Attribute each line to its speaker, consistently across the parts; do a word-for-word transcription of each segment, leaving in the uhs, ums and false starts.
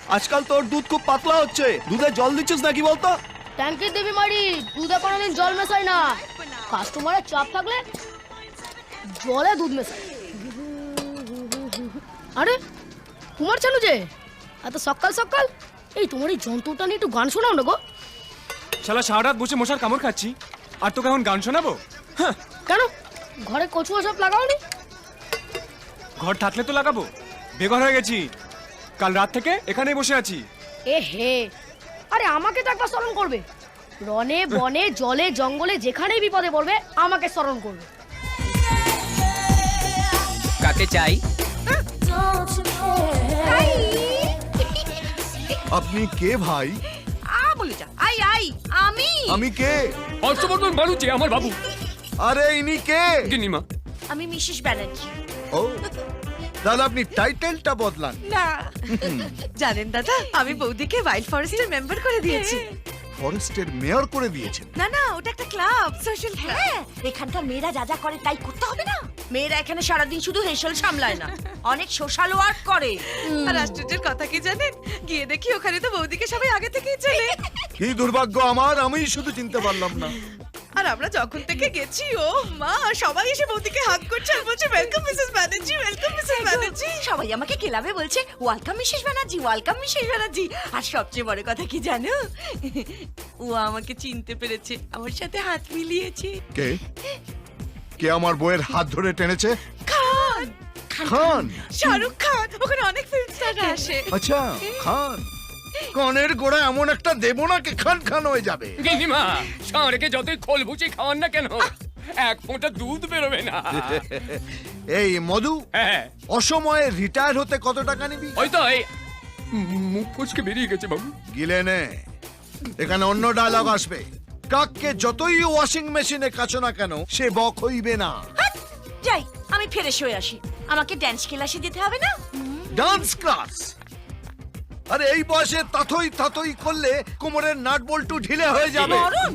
Speaker 1: আজকাল তোর দুধ খুব পাতলা হচ্ছে, দুধে জল দিচ্ছিস নাকি বলতো?
Speaker 2: ট্যাঙ্কির দেবী মারি, দুধে কোনোদিন জল মেশাই না। কাস্টমারের চাপ থাকলে জলে দুধ মেশাই। আরে কুমার চানু যে, এত সকাল সকাল, এই তোমার এই যন্ত্রটা নিয়ে একটু গান শোনাও না গো।
Speaker 3: শালা সারা রাত বসে মশার কামড় খাচ্ছি, আর তোকে এখন গান শোনাবো? হ্যাঁ।
Speaker 2: কেন ঘরে কচুয়া সব লাগাওনি?
Speaker 3: ঘর থাকলে তো লাগাবো, বেঘর হয়ে গেছি। কাল রাত থেকে এখানেই বসে আছি।
Speaker 2: এ হে, আরে আমাকে তো একবার স্মরণ করবে। রনে বনে জলে জঙ্গলে যেখানেই বিপদে পড়বে আমাকে স্মরণ করবে।
Speaker 4: কাকে চাই?
Speaker 1: আপনি কে ভাই?
Speaker 5: আ বলে যা। আই আই আমি
Speaker 1: আমি কে?
Speaker 3: হর্ষবর্ধন বাড়ুচি আমার বাবু।
Speaker 1: আরে ইনি কে?
Speaker 3: গিনিমা।
Speaker 5: আমি মিসেস ব্যানার্জি।
Speaker 1: ও, তাহলে আপনি টাইটেলটা বদলান।
Speaker 5: না জানেন দাদা, আমি বৌদিকে ওয়াইল্ড ফরেস্টের মেম্বার করে দিয়েছি।
Speaker 1: ফরেস্টের মেয়র করে দিয়েছেন?
Speaker 5: না না, ওটা একটা ক্লাব, সোশ্যাল ক্লাব। এখানকার মেয়েরা যা যা করে তাই করতে হবে না? মেয়েরা এখানে সারাদিন শুধু হেসেল সামলায় না, অনেক সোশ্যাল ওয়ার্ক করে। আর আশ্চর্যের কথা কি জানেন, গিয়ে দেখি ওখানে তো বৌদিকে সবাই আগে থেকেই চেনে।
Speaker 1: কি দুর্ভাগ্য আমার, আমি শুধু চিনতে পারলাম না।
Speaker 5: আর আমরা যখন থেকে গেছি, ও মা, সবাই এসে বৌদিকে হাত করছে আর বলছে welcome Mrs Banerjee, welcome Mrs Banerjee. সবাই আমাকে ক্লাবে বলছে welcome Mrs Banerjee, welcome Mrs Banerjee. আর সবচেয়ে বড় কথা কি জানো, ও আমাকে চিনতে পেরেছে, আমার সাথে হাত মিলিয়েছে।
Speaker 1: কে? কে আমার বউয়ের হাত ধরে টেনেছে?
Speaker 5: খান
Speaker 1: খান?
Speaker 5: শাহরুখ খান, ওখানে অনেক ফিল্ম স্টাররা আসে।
Speaker 1: আচ্ছা, খান। কনের গোড়া এমন একটা দেব না কে খান খান হয়ে যাবে।
Speaker 3: গিনিমা, ষাঁড়কে যতই খোল ভুচি খাওয়ান না কেন, এক ফোঁটা দুধ বেরোবে না।
Speaker 1: এই মধু,
Speaker 3: হ্যাঁ,
Speaker 1: অসময়ে রিটায়ার হতে কত টাকা নিবি?
Speaker 3: ওই তো এই মুখ ফসকে বেরিয়ে গেছে বাবু।
Speaker 1: গিলে নে, এখানে অন্য ডায়লগ আসবে। কাককে যতই ওয়াশিং মেশিনে কাছো না কেন, সে বক হইবে না।
Speaker 5: যাই, আমি ফ্রেশ হয়ে আসি। আমাকে ড্যান্স ক্লাসে যেতে হবে না?
Speaker 1: Dance class? আরে এই বয়সে তাতই তাতই করলে কোমরের নাট বল্টু ঢিলে হয়ে যাবে।
Speaker 5: মরণ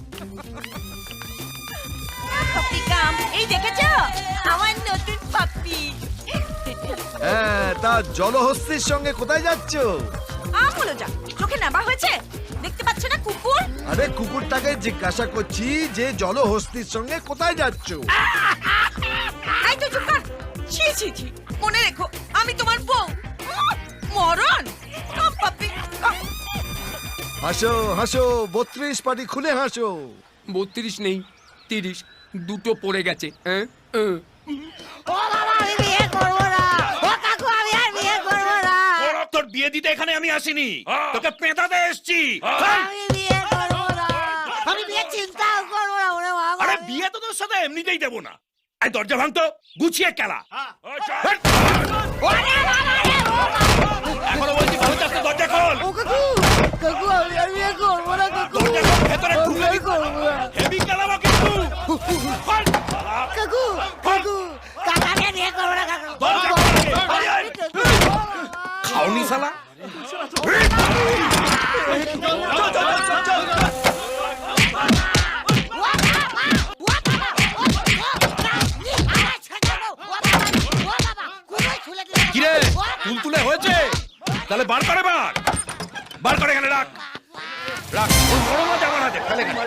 Speaker 5: পাপ্পি কাম, এই দেখেছো আমার নতুন পাপ্পি।
Speaker 1: হ্যাঁ, তা জলহস্তির সঙ্গে কোথায় যাচ্ছ?
Speaker 5: আ বলো যা, চোখে নাবা হয়েছে, দেখতে পাচ্ছ না কুকুর?
Speaker 1: আরে কুকুরটাকে জিজ্ঞাসা করছি যে জলহস্তির সঙ্গে কোথায় যাচ্ছ?
Speaker 5: এই তো চুপ কর। ছি ছি ছি, মনে রেখো আমি তোমার বউ। মরণ পাপ্পি।
Speaker 1: হাসো হাসো, বত্রিশ পাটি খুলে হাসো।
Speaker 3: বত্রিশ নেই, তিরিশ, দুটো পড়ে গেছে। হ্যাঁ,
Speaker 6: ও বাবা, আমি বিয়ে করবো না। ও কাকু, আমি আর বিয়ে করবো না।
Speaker 7: ওরা তোর বিয়ে দিতে এখানে আমি আসিনি, তোকে পেঁদাতে এসেছি।
Speaker 6: আমি বিয়ে করবো না। আমি বিয়ে চিন্তাও করবো না। ওরে বাবা,
Speaker 7: আরে বিয়ে তো তোর সাথে এমনিতেই দেবো না। এই দরজা ভাঙতো, গুছিয়ে খেলা। এখনো বলছি ভালো চাচ্ছে, দরজা খোল।
Speaker 6: ও কাকু, কাকু, আমি আর বিয়ে করবো না কাকু।
Speaker 7: দরজা খোল, ভেতরে
Speaker 6: আমি
Speaker 7: ঢুকে
Speaker 6: বিয়ে করবো না।
Speaker 7: হেভি খেলাবো কিন্তু। খোল।
Speaker 6: কাকু, কাকু, কাকাকে বিয়ে করবো না কাকু।
Speaker 7: দরজা খোল। আয়, আয়। খাওনি শালা। কিরে, তুলতুলে হয়েছে? তাহলে বার করে বার বার করে এখানে রাখ রাখ। ওই বড় মাছ আমার হাতে, ফেলে দে।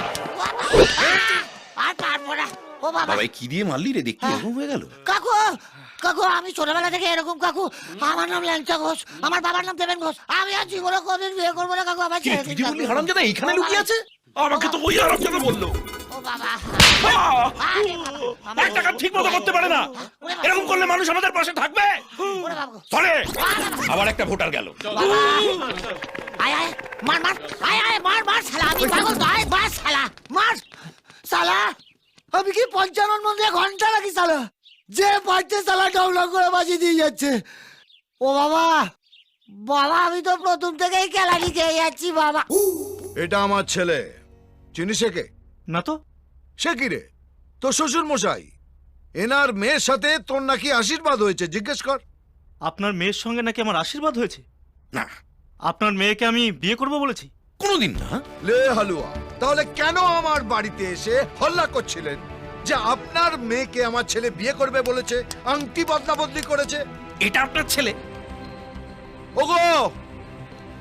Speaker 6: আর পারবো না। ও বাবা,
Speaker 7: বাবা কি দিয়ে মারলি রে, দেখতে এরকম হয়ে গেল।
Speaker 6: কাকু, কাকু, আমি ছোটবেলা থেকে এরকম কাকু। আমার নাম ল্যাংচা ঘোষ, আমার বাবার নাম দেবেন ঘোষ। আমি আর জীবনে কোনদিন বিয়ে করবো না কাকু। আমার
Speaker 7: কি
Speaker 6: ছেড়ে
Speaker 7: তুই
Speaker 6: দিন,
Speaker 7: বললি
Speaker 6: কাকু।
Speaker 7: হারামজাদা এখানে লুকিয়ে আছে? আমাকে তো ওই হারামজাদা বললো।
Speaker 6: ও বাবা,
Speaker 7: আহ!
Speaker 6: আরে বাবা,
Speaker 7: একটা কাজ ঠিক মতো করতে পারে না, এরকম করলে মানুষ আমাদের পাশে থাকবে?
Speaker 6: ওরে বাবা,
Speaker 7: চলে আবার একটা ভোটার গেল।
Speaker 6: বাবা। আয় আয়, মার মার, আয় আয়, মার মার শালা, আমি পাগল নয়, মার শালা, মার শালা। আমি কি পঞ্চানন মন্দিরে ঘন্টা লাগি শালা, যে পারছে শালা ডবলং করে বাজি দিয়ে যাচ্ছে। ও বাবা, বাবা, আমি তো প্রথম থেকেই কেলানি খেয়ে যাচ্ছি বাবা।
Speaker 1: এটা আমার ছেলে, চিনিস একে?
Speaker 8: না তো।
Speaker 1: সে কি রে, তোর শ্বশুর মশাই। এনার মেয়ের সাথে তোর নাকি আশীর্বাদ হয়েছে, জিজ্ঞেস কর।
Speaker 8: আপনার মেয়ের সঙ্গে নাকি আমার আশীর্বাদ হয়েছে?
Speaker 7: না,
Speaker 8: আপনার মেয়েকে আমি বিয়ে করব বলেছি?
Speaker 7: কোনোদিন না।
Speaker 1: লে হালুয়া, তাহলে কেন আমার বাড়িতে এসে হল্লা করছিলেন যে আপনার মেয়েকে আমার ছেলে বিয়ে করবে বলেছে, আংটি বদলা বদলি করেছে?
Speaker 7: এটা আপনার ছেলে?
Speaker 1: ওগো,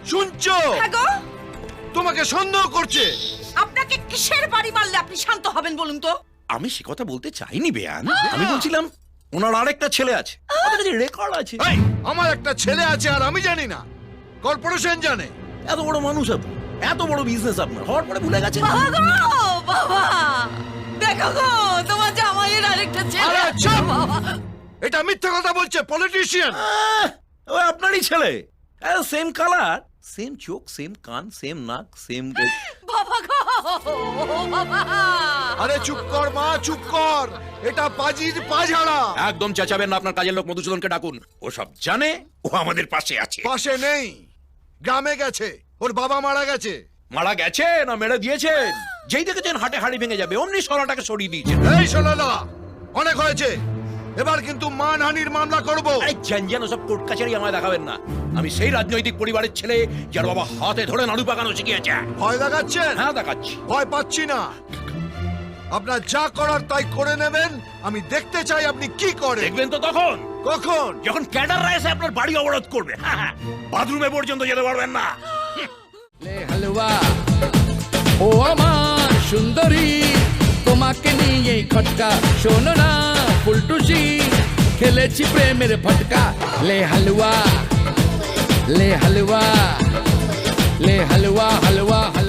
Speaker 1: শুনছো?
Speaker 5: হ্যাঁ গো,
Speaker 1: তোমাকে সন্দেহ করছে।
Speaker 5: আপনাকে কিসের বাড়ি মারলে আপনি শান্ত হবেন বলুন তো?
Speaker 7: আমি সে কথা বলতে চাইনি বেয়ান, আমি বলছিলাম ওনার আরেকটা ছেলে আছে, রেকর্ড আছে।
Speaker 1: এই, আমার একটা ছেলে আছে আর আমি জানি না, কর্পোরেশন জানে।
Speaker 7: এত বড় মানুষ আপনি, এত বড় বিজনেস আপনার, হওয়ার পরে ভুলে গেছেন।
Speaker 5: বাবা গো, বাবা দেখো গো, তোমার জামাইয়ের আরেকটা ছেলে
Speaker 1: আরে
Speaker 5: আছে,
Speaker 1: চুপ!
Speaker 5: বাবা।
Speaker 1: এটা মিথ্যা কথা বলছে, পলিটিশিয়ান।
Speaker 7: আহ, ওই আপনারই ছেলে, সেম কালার, সেম চোখ, সেম কান, সেম নাক, সেম।
Speaker 5: বাবা গো, বাবা।
Speaker 1: আরে চুপ কর মা, চুপ কর, এটা পাজির পাঝাড়া।
Speaker 7: একদম চেঁচাবেন না, আপনার কাজের লোক মধুসূদনকে ডাকুন, ও সব জানে, ও আমাদের পাশে আছে।
Speaker 1: পাশে নেই, গ্রামে গেছে, ওর বাবা মারা গেছে।
Speaker 7: মারা গেছে না মেরে দিয়েছেন? যেই দেখেছেন হাটে হাড়ি ভেঙে যাবে অমনি সরাটাকে সরিয়ে দিয়েছেন।
Speaker 1: এই শোনালা, অনেক হয়েছে, এবার কিন্তু মানহানির মামলা করব।
Speaker 7: আরে জ্যান ওসব কোর্ট কাছারি আমায় দেখাবেন না, আমি সেই রাজনৈতিক পরিবারের ছেলে যার বাবা হাতে ধরে নাড়ু পাকানো শিখিয়েছে।
Speaker 1: ভয় দেখাচ্ছেন?
Speaker 7: হ্যাঁ দেখাচ্ছি।
Speaker 1: ভয় পাচ্ছি না, আপনার যা করার তাই করে নেবেন। আমি দেখতে চাই আপনি কি করেন।
Speaker 7: দেখবেন তো তখন,
Speaker 1: কখন?
Speaker 7: যখন ক্যাডাররা এসে আপনার বাড়ি অবরোধ করবে, বাথরুমে পর্যন্ত যেতে পারবেন না।
Speaker 4: লে হালুয়া ও আমার সুন্দরী, তোমাকে নিয়ে খটকা, শোনো না ফুলটুসি, খেলেছি প্রেমের ফটকা। লে হালুয়া লে হালুয়া লে হালুয়া হালুয়া